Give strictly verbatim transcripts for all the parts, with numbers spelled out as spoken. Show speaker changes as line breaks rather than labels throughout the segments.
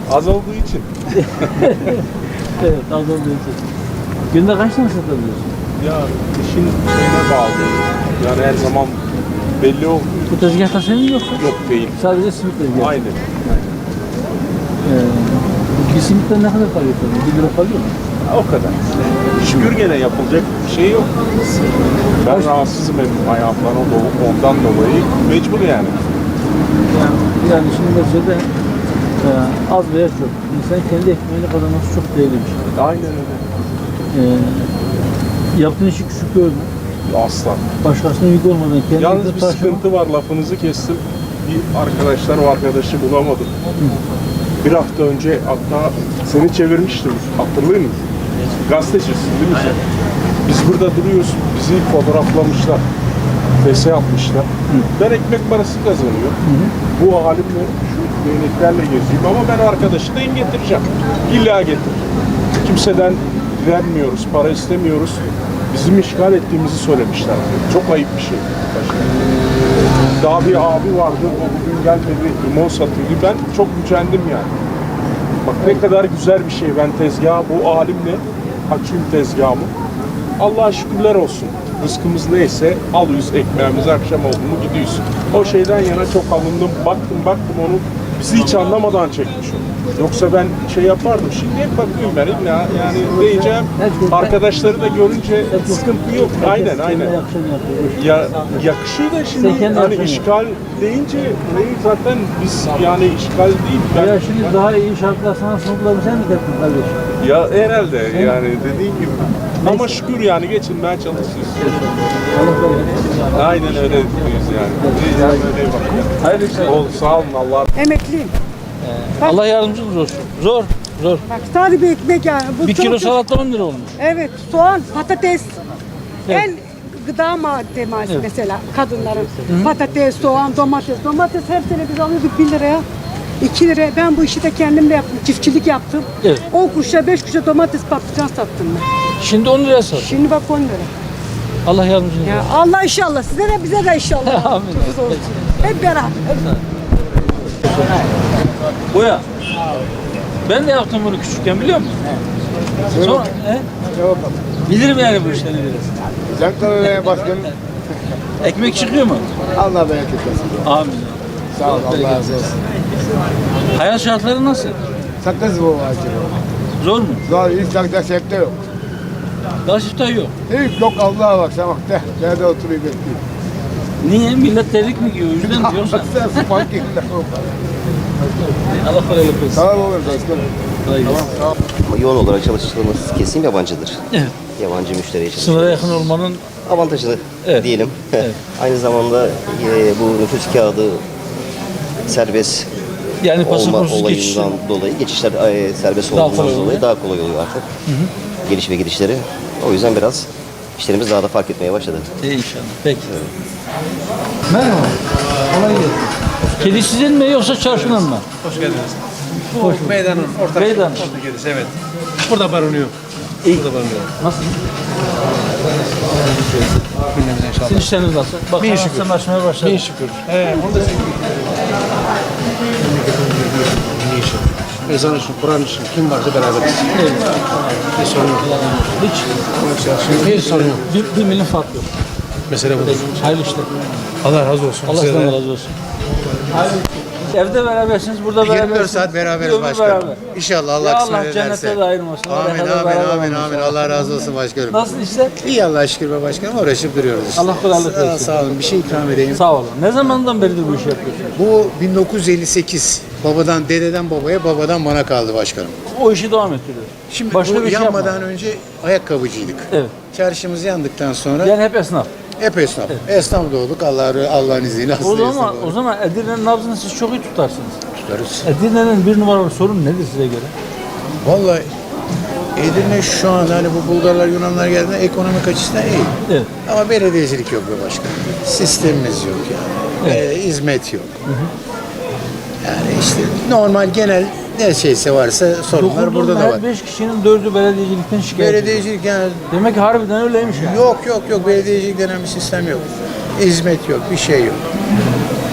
Az olduğu için.
Evet, az olduğu için. Günde kaç tane satabiliyorsun?
Ya işin şeyine bağlı. Yani her zaman belli olmuyor.
Bu tezgahta senin yoksa?
Yok değil.
Sadece simit tezgahı.
Aynen.
Ee, bir simitten ne kadar para yapıyorsun? Bir lira kalıyor mu?
O kadar. Şükür gene yapılacak bir şey yok. Ben rahatsızım hep ayağımdan o do- ondan dolayı. Mecbur yani.
Yani, yani şimdi neticede e, az veya çok. İnsan kendi ekmeğini kazanması çok değerli bir şey.
Aynen öyle.
Ee, yaptığın işi küçük görme.
Asla.
Başkasına yük olmadan kendi
Yalnız bir
taşıma.
sıkıntı var, lafınızı kestim. Bir arkadaşlar, o arkadaşı bulamadım. Bir hafta önce hatta seni çevirmiştim, hatırlıyor musun? Gazetecisin değil mi sen? Biz burada duruyoruz, bizi fotoğraflamışlar. Fese yapmışlar. Hı. Ben ekmek parası kazanıyorum. Hı hı. Bu halimle şu değneklerle geziyorum ama ben arkadaşı da getireceğim. İlla getireceğim. Kimseden direnmiyoruz, para istemiyoruz. Bizim işgal ettiğimizi söylemişler. Çok ayıp bir şey. Daha bir abi vardı, o bugün gelmedi, limon satıyordu. Ben çok gücendim yani. Bak ne kadar güzel bir şey. Ben tezgahı bu halimle açayım tezgahımı. Allah'a şükürler olsun. Rızkımız neyse alıyoruz ekmeğimizi, akşam oldu mu gidiyoruz. O şeyden yana çok alındım. Baktım baktım onu bizi hiç anlamadan çekmiş o. Yoksa ben şey yapardım. Şimdi hep bakıyorum ben illa yani diyeceğim. Arkadaşları da görünce sıkıntı yok. Aynen aynen. Ya yakışıyor da şimdi hani işgal deyince zaten biz yani işgal değil. Ben,
ya şimdi daha iyi şartlar sana sundular sen mi tepkin kardeşim?
Ya herhalde yani dediğim gibi. Neyse. Ama şükür yani geçinmeye çalışıyoruz. Aynen öyle diyoruz yani. yani öyle bak.
Hayırlı işler.
Ol, sağ olun Allah.
Emekliyim.
Ee, Allah yardımcınız olsun. Zor, zor.
Bak sadece bir ekmek yani. Bu
Bir
çok-
kilo salata on lira olmuş.
Evet, soğan, patates.
Evet.
En gıda madde malzemesi
Evet.
mesela kadınların. Patates, soğan, domates. Domates her sene biz alıyorduk bir liraya. iki liraya. Ben bu işi de kendim de yaptım. Çiftçilik yaptım.
Evet.
on kuruşa beş kuruşa domates patlıcan sattım ben.
Şimdi on liraya sat.
Şimdi bak on lira.
Allah yardımcınız
Ya
olsun.
Allah inşallah size de bize de inşallah.
Amin.
Çok olsun. Hep beraber.
Boya. Ben de yaptım bunu küçükken biliyor musun? Sonra, he? Bilirim yani bu işleri biraz.
Çankırı'ya başkanım.
Ekmek çıkıyor mu?
Allah bereket versin.
Amin.
Sağ ol, Allah razı olsun.
Hayat şartları nasıl?
Sakız bu acı.
Zor mu?
Zor, hiç sakız septe yok.
Daha siftah yok.
Hiç yok Allah'a bak sen bak de. Nerede oturuyor bekliyor.
Niye? Millet terlik mi giyiyor? O yüzden mi diyorsan.
Sen spank ettin.
Allah kolaylık versin.
Sağ ol oğlum başkanım.
Kolay gelsin.
Ama yoğun olarak çalıştığımız kesim yabancıdır.
Evet.
Yabancı müşteriye çalışıyoruz.
Sınıra yakın olmanın
Avantajını
Evet.
diyelim.
Evet.
Aynı zamanda e, bu nüfus kağıdı serbest
yani
olma
pasaportsuz geçiş.
olayından dolayı geçişler e, serbest
Daha
olduğundan
kolay
dolayı
oluyor.
daha kolay oluyor artık. Geliş ve gidişleri. O yüzden biraz işlerimiz daha da fark etmeye başladı.
İyi inşallah. Peki. Merhaba. Kolay gelsin. Kedi sizin mi yoksa çarşının mı?
Hoş geldiniz. Bu
Hoş bulduk.
meydanın ortak
Meydan.
ortak yerisi, evet. Burada barınıyor.
İyi.
Burada barınıyor.
Nasıl?
Gündemimize inşallah.
Sizin işleriniz nasıl? Bak
Bin
anasını
şükür.
açmaya başladı.
Bin şükür. He, onu da sevdim. İyi işi. Ezan için, Kur'an için kim varsa beraberiz.
Evet.
Bir sorun yok.
Hiç.
Hiç sorun yok.
Bir, bir milim fark yok.
Mesele budur.
Hayırlı işler.
Allah razı olsun.
Allah
Size
sizden
de.
razı olsun. Evde berabersiniz, burada
yirmi
berabersiniz.
dört saat beraberiz
Ömür
başkanım.
beraber.
İnşallah Allah
Ya
kısmet
Allah
ederse.
cennete de ayırmasın.
Amin
Oraya kadar
amin
beraber
amin
olmasın.
amin. Allah razı olsun başkanım.
Nasıl işler?
İyi Allah'a şükür be başkanım, uğraşıp duruyoruz işte.
Allah kolaylık
Sağ,
versin.
sağ olun, bir şey ikram edeyim.
Sağ olun. Ne zamandan beridir bu işi yapıyorsunuz?
Bu bin dokuz yüz elli sekiz. Babadan, dededen babaya, babadan bana kaldı başkanım.
O işi devam ettiriyor.
Şimdi
Başka
bu
bir şey
yanmadan
yapma.
önce ayakkabıcıydık.
Evet.
Çarşımız yandıktan sonra
Yani hep esnaf.
hep esnaf. Esnaf da olduk Allah Allah'ın izniyle.
O
aslında esnaf
zaman
olduk.
o zaman Edirne'nin nabzını siz çok iyi tutarsınız.
Tutarız.
Edirne'nin bir numaralı sorun nedir size göre?
Vallahi Edirne şu an hani bu Bulgarlar, Yunanlar geldiğinde ekonomik açısından iyi.
Evet.
Ama belediyecilik yok be başkanım. Sistemimiz yok yani.
Evet.
Ee, hizmet yok. Yani işte normal genel ne şeyse varsa sorunlar burada da
her
var.
beş kişinin dördü belediyecilikten şikayet ediyor.
Belediyecilik yani
Demek ki harbiden öyleymiş yani.
yok yok yok belediyecilik denen bir sistem yok. Hizmet yok, bir şey yok.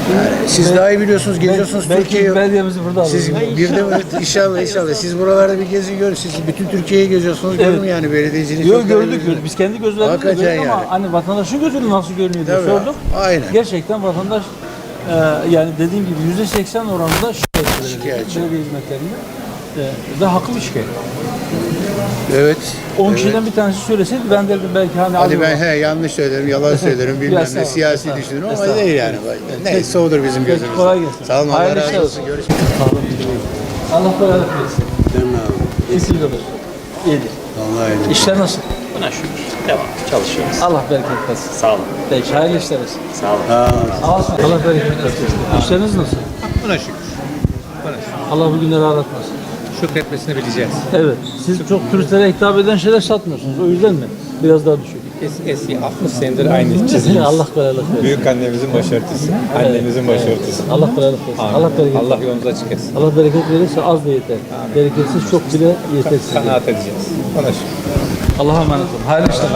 Siz daha iyi biliyorsunuz, geziyorsunuz
Belki
Türkiye'yi.
belediyemizi burada
Siz
alırız.
bir de inşallah inşallah siz buralarda bir gezin görün. Siz bütün Türkiye'yi geziyorsunuz.
Evet.
Görün yani belediyeciliği.
Yok
çok
gördük
önemli.
gördük. Biz kendi gözlerimizle
Hakikaten
gördük ama
yani.
hani vatandaşın gözüyle nasıl görünüyor diye
Tabii.
sorduk.
Aynen.
Gerçekten vatandaş e, yani dediğim gibi yüzde seksen oranında şikayetçi.
Şikayetçi.
Belediye hizmetlerinde. E, ve haklı bir şikayet.
Evet.
on
evet.
kişiden bir tanesi söyleseydi ben derdim belki hani
Hadi
az
ben
olur.
he, yanlış söylerim, yalan söylerim, bilmem
Biraz
ne,
sağ ol,
siyasi
sağ ol.
düşünürüm ama
Estağfurullah.
değil yani. Neyse odur bizim
Peki,
gözümüzde.
kolay gelsin.
Sağ olun, Allah
Hayırlı
razı
işler
olsun.
olsun.
Görüşmek
Sağ olun. Allah kolaylık versin.
Değil mi abi?
İyisi olur. İyidir.
Vallahi öyle.
İşler nasıl?
Buna şükür. Devam. Çalışıyoruz.
Allah bereket versin.
Sağ olun.
Peki hayırlı işler olsun.
Sağ olun.
Sağ olsun. Allah bereket versin. İşleriniz nasıl?
Buna şükür. Buna şükür.
Allah bu günleri aratmasın.
Şükretmesini bileceğiz.
Evet. Siz çok turistlere hitap eden şeyler satmıyorsunuz. O yüzden mi? Biraz daha düşük.
Es, eski altmış senedir aynı çizim.
Allah kolaylık versin.
Büyük annemizin başörtüsü. Annemizin başörtüsü.
Allah kolaylık versin.
Amin.
Allah bereket
Allah
versin.
yolunuzu açık etsin.
Allah bereket verirse az da yeter. Bereketsiz çok bile yetersiz.
Kanaat edeceğiz. Buna şükür.
Allah'a emanet olun. Hayırlı işler.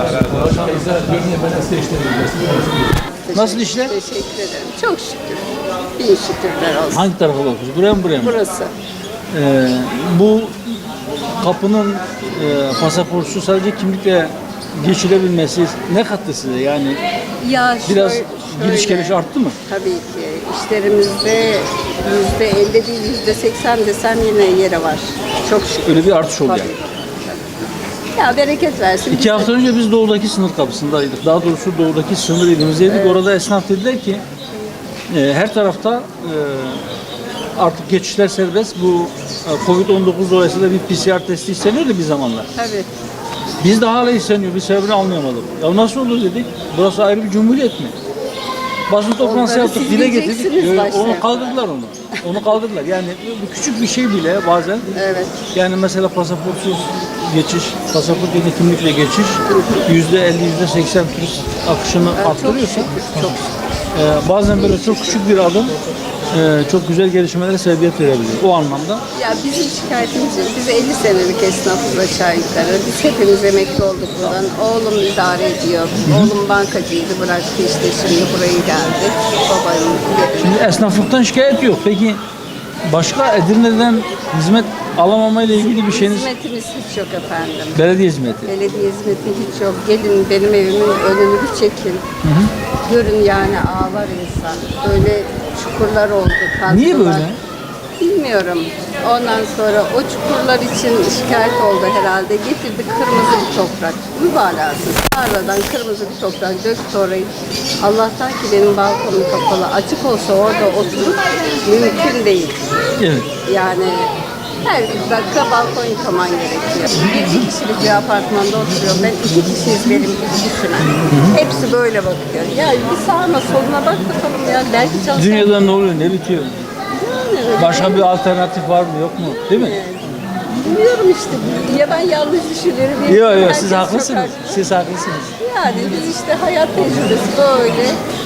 Nasıl işler?
Teşekkür ederim. Çok şükür. Bin şükürler olsun.
Hangi tarafa bakıyorsunuz? Buraya mı buraya mı?
Burası.
Ee, bu kapının e, pasaportsuz sadece kimlikle geçilebilmesi ne kattı size? Yani
Ya
biraz
şöyle-
giriş
şöyle,
geliş arttı mı?
Tabii ki. İşlerimizde yüzde elli değil, yüzde seksen desem yine yeri var. Çok şükür.
Öyle bir artış oldu
Tabii.
yani.
Ya bereket versin.
İki hafta önce biz doğudaki sınır kapısındaydık. Daha doğrusu doğudaki sınır ilimizdeydik. Orada esnaf dediler ki e, her tarafta e, artık geçişler serbest. Bu e, kovid on dokuz dolayısıyla bir P C R testi isteniyordu bir zamanlar.
Tabii.
Biz de hala isteniyor. Bir sebebini anlayamadık. Ya nasıl olur dedik. Burası ayrı bir cumhuriyet mi? Basın toplantısı
Onları
yaptık,
siz
dile getirdik.
diyeceksiniz
Yo,
başta.
Onu kaldırdılar onu. Onu kaldırdılar. Yani bu küçük bir şey bile bazen
Evet.
yani mesela pasaportsuz geçiş, pasaport yerine kimlikle geçiş yüzde elli, yüzde seksen turist akışını arttırıyorsa
Çok şükür.
e, bazen böyle çok küçük bir adım e, çok güzel gelişmelere sebebiyet verebilir. O anlamda
Ya bizim şikayetimiz yok. Biz elli senelik esnafız aşağı yukarı. Biz hepimiz emekli olduk buradan. Oğlum idare ediyor. Oğlum bankacıydı, bıraktı işte şimdi buraya geldi. Babayım geri.
şimdi esnaflıktan şikayet yok. Peki başka Edirne'den hizmet alamama ile ilgili bir şeyiniz
Hizmetimiz hiç yok efendim.
belediye hizmeti.
Belediye hizmeti hiç yok. Gelin benim evimin önünü bir çekin. Görün yani ağlar insan. Böyle çukurlar oldu. Kazdılar.
Niye böyle?
Bilmiyorum. Ondan sonra o çukurlar için şikayet oldu herhalde. Getirdi kırmızı bir toprak. Mübalağasız. Tarladan kırmızı bir toprak döktü orayı. Allah'tan ki benim balkonum kapalı. Açık olsa orada oturup mümkün değil.
Evet.
Yani her dakika balkon yıkaman gerekiyor. Bir iki kişilik bir apartmanda oturuyorum. Ben iki kişiyiz benim gibi düşünen. Hepsi böyle bakıyor. Ya bir sağına soluna bak bakalım ya. Belki çalışan...
Dünyada ne oluyor, ne bitiyor?
Yani öyle
Başka bir alternatif var mı, yok mu? Değil mi?
Bilmiyorum işte. Ya ben yanlış düşünüyorum. ya
Yok yok
herkes
siz
çok
haklısınız.
haklı.
Siz haklısınız.
Yani biz işte hayat tecrübesi böyle.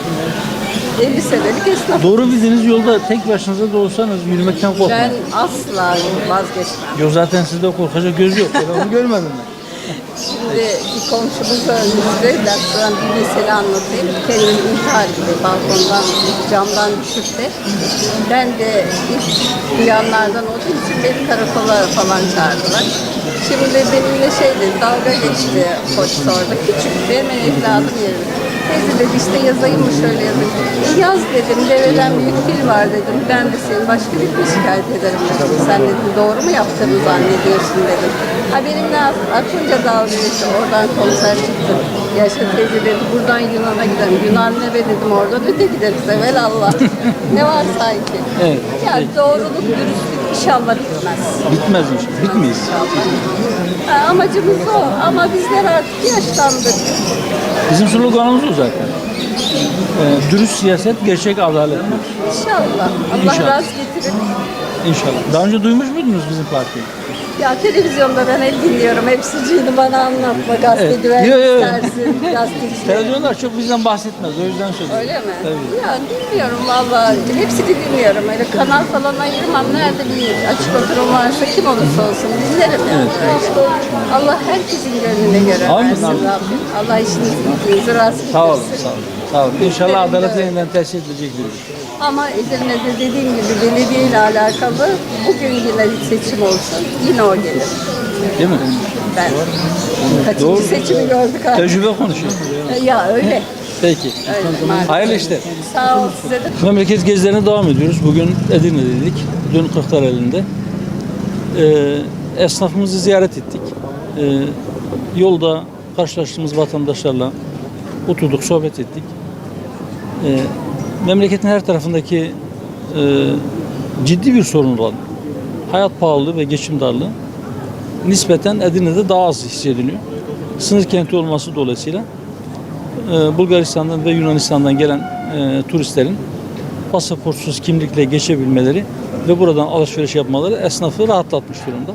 elli senelik esnaf.
Doğru bildiğiniz yolda tek başınıza da olsanız yürümekten korkmayın.
Ben asla vazgeçmem.
Yok zaten sizde korkacak göz yok. Ben onu görmedim ben.
Şimdi bir komşumuz öldüğünde dakikadan bir mesele anlatayım. Kendini intihar gibi balkondan, camdan düşüp de ben de ilk duyanlardan olduğu için beni karakola falan çağırdılar. Şimdi benimle şey dedi, dalga geçti polis orada. Küçük benim evladım yerim. Teyze dedi işte yazayım mı şöyle yazayım. E yaz dedim, deveden büyük fil var dedim. Ben de seni başka bir şikayet ederim dedim. Sen dedim doğru mu yaptığını zannediyorsun dedim. Ha benimle aklınca dalga geçti. Oradan komiser çıktı. Yaşa teyze dedi buradan Yunan'a gidelim. Yunan ne be dedim oradan öte gideriz evelallah. Ne var sanki?
Evet.
Yani doğruluk, dürüstlük inşallah bitmez.
Bitmez inşallah. Bitmeyiz.
Ha, amacımız o ama bizler artık yaşlandık.
Bizim sloganımız o zaten. Ee, dürüst siyaset, gerçek adalet.
İnşallah. Allah
İnşallah.
razı getirir.
İnşallah. Daha önce duymuş muydunuz bizim partiyi?
Ya televizyonda ben hep dinliyorum. Hepsiciydi bana anlatma. Gazete
Evet.
güven
Yo, yo.
istersin. Gazeteci.
Televizyonlar çok bizden bahsetmez. O yüzden söylüyorum.
Öyle mi?
Tabii.
Ya bilmiyorum valla. Hepsini dinliyorum. Öyle kanal falan ayırmam. Nerede bir açık oturum varsa kim olursa olsun dinlerim yani. Allah herkesin gönlüne göre
Amin,
versin
amin.
Rabbim. Allah işinizi gücünüzü rast getirsin.
Sağ olun, sağ olun. Sağ olun. İnşallah adaleti yeniden tesis edilecek bir.
Ama Edirne'de dediğim gibi belediye ile alakalı bugün yine bir seçim olsun. Yine o gelir.
Değil mi?
Ben kaçıncı
Doğru.
seçimi gördük artık.
Tecrübe konuşuyor.
Ya öyle.
Peki.
Öyle maalesef.
Hayırlı işler.
Sağ ol size de.
Memleket gezilerine devam ediyoruz. Bugün Edirne'deydik. Dün Kırklareli'nde. Ee, esnafımızı ziyaret ettik. Ee, yolda karşılaştığımız vatandaşlarla oturduk, sohbet ettik. Ee, memleketin her tarafındaki e, ciddi bir sorun olan hayat pahalılığı ve geçim darlığı nispeten Edirne'de daha az hissediliyor. Sınır kenti olması dolayısıyla e, Bulgaristan'dan ve Yunanistan'dan gelen e, turistlerin pasaportsuz kimlikle geçebilmeleri ve buradan alışveriş yapmaları esnafı rahatlatmış durumda.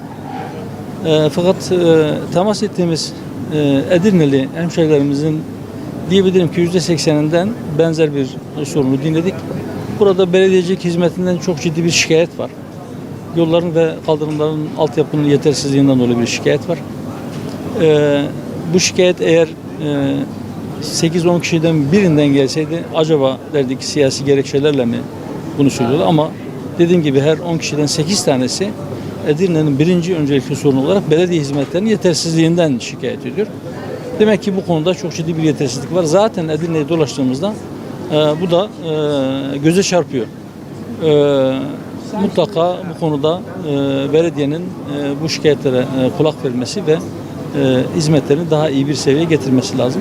E, fakat e, temas ettiğimiz e, Edirneli hemşehrilerimizin diyebilirim ki yüzde sekseninden benzer bir sorunu dinledik. Burada belediyecilik hizmetinden çok ciddi bir şikayet var. Yolların ve kaldırımların altyapının yetersizliğinden dolayı bir şikayet var. E, bu şikayet eğer e, sekiz on kişiden birinden gelseydi acaba derdik siyasi gerekçelerle mi bunu söylüyorlar ama dediğim gibi her on kişiden sekiz tanesi Edirne'nin birinci öncelikli sorunu olarak belediye hizmetlerinin yetersizliğinden şikayet ediyor. Demek ki bu konuda çok ciddi bir yetersizlik var. Zaten Edirne'yi dolaştığımızda e, bu da e, göze çarpıyor. E, mutlaka bu konuda e, belediyenin e, bu şikayetlere e, kulak vermesi ve e, hizmetlerini daha iyi bir seviyeye getirmesi lazım.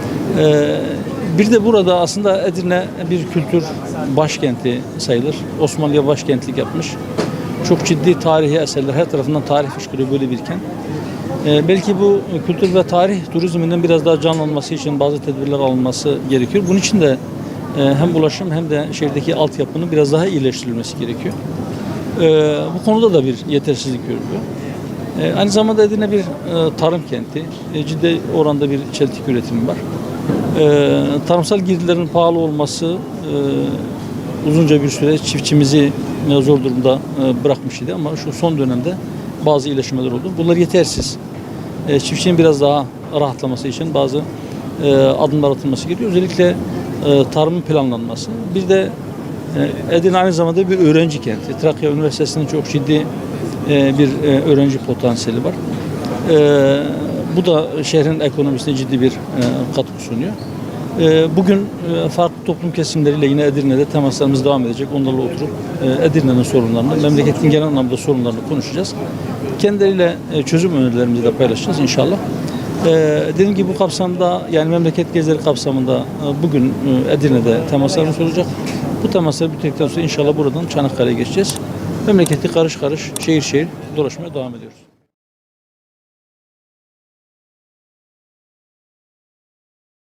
E, bir de burada aslında Edirne bir kültür başkenti sayılır. Osmanlı'ya başkentlik yapmış. Çok ciddi tarihi eserler, her tarafından tarih fışkırıyor böyle bir kent. Ee, belki bu kültür ve tarih turizminin biraz daha canlanması için bazı tedbirler alınması gerekiyor. Bunun için de e, hem ulaşım hem de şehirdeki altyapının biraz daha iyileştirilmesi gerekiyor. Ee, bu konuda da bir yetersizlik görülüyor. Ee, aynı zamanda Edirne bir e, tarım kenti. E, ciddi oranda bir çeltik üretimi var. Ee, tarımsal girdilerin pahalı olması e, uzunca bir süre çiftçimizi zor durumda e, bırakmış idi ama şu son dönemde bazı iyileşmeler oldu. Bunlar yetersiz. E, çiftçinin biraz daha rahatlaması için bazı e, adımlar atılması gerekiyor. Özellikle e, tarımın planlanması. Bir de e, Edirne aynı zamanda bir öğrenci kenti. Trakya Üniversitesi'nin çok ciddi e, bir e, öğrenci potansiyeli var. E, bu da şehrin ekonomisine ciddi bir e, katkı sunuyor. E, bugün e, farklı toplum kesimleriyle yine Edirne'de temaslarımız devam edecek. Onlarla oturup e, Edirne'nin sorunlarını, memleketin genel anlamda sorunlarını konuşacağız. Kendileriyle e, çözüm önerilerimizi de paylaşacağız inşallah. E, dediğim gibi bu kapsamda yani memleket gezileri kapsamında e, bugün e, Edirne'de temaslarımız olacak. Bu temasları bitirdikten sonra inşallah buradan Çanakkale'ye geçeceğiz. Memleketi karış karış, şehir şehir dolaşmaya devam ediyoruz.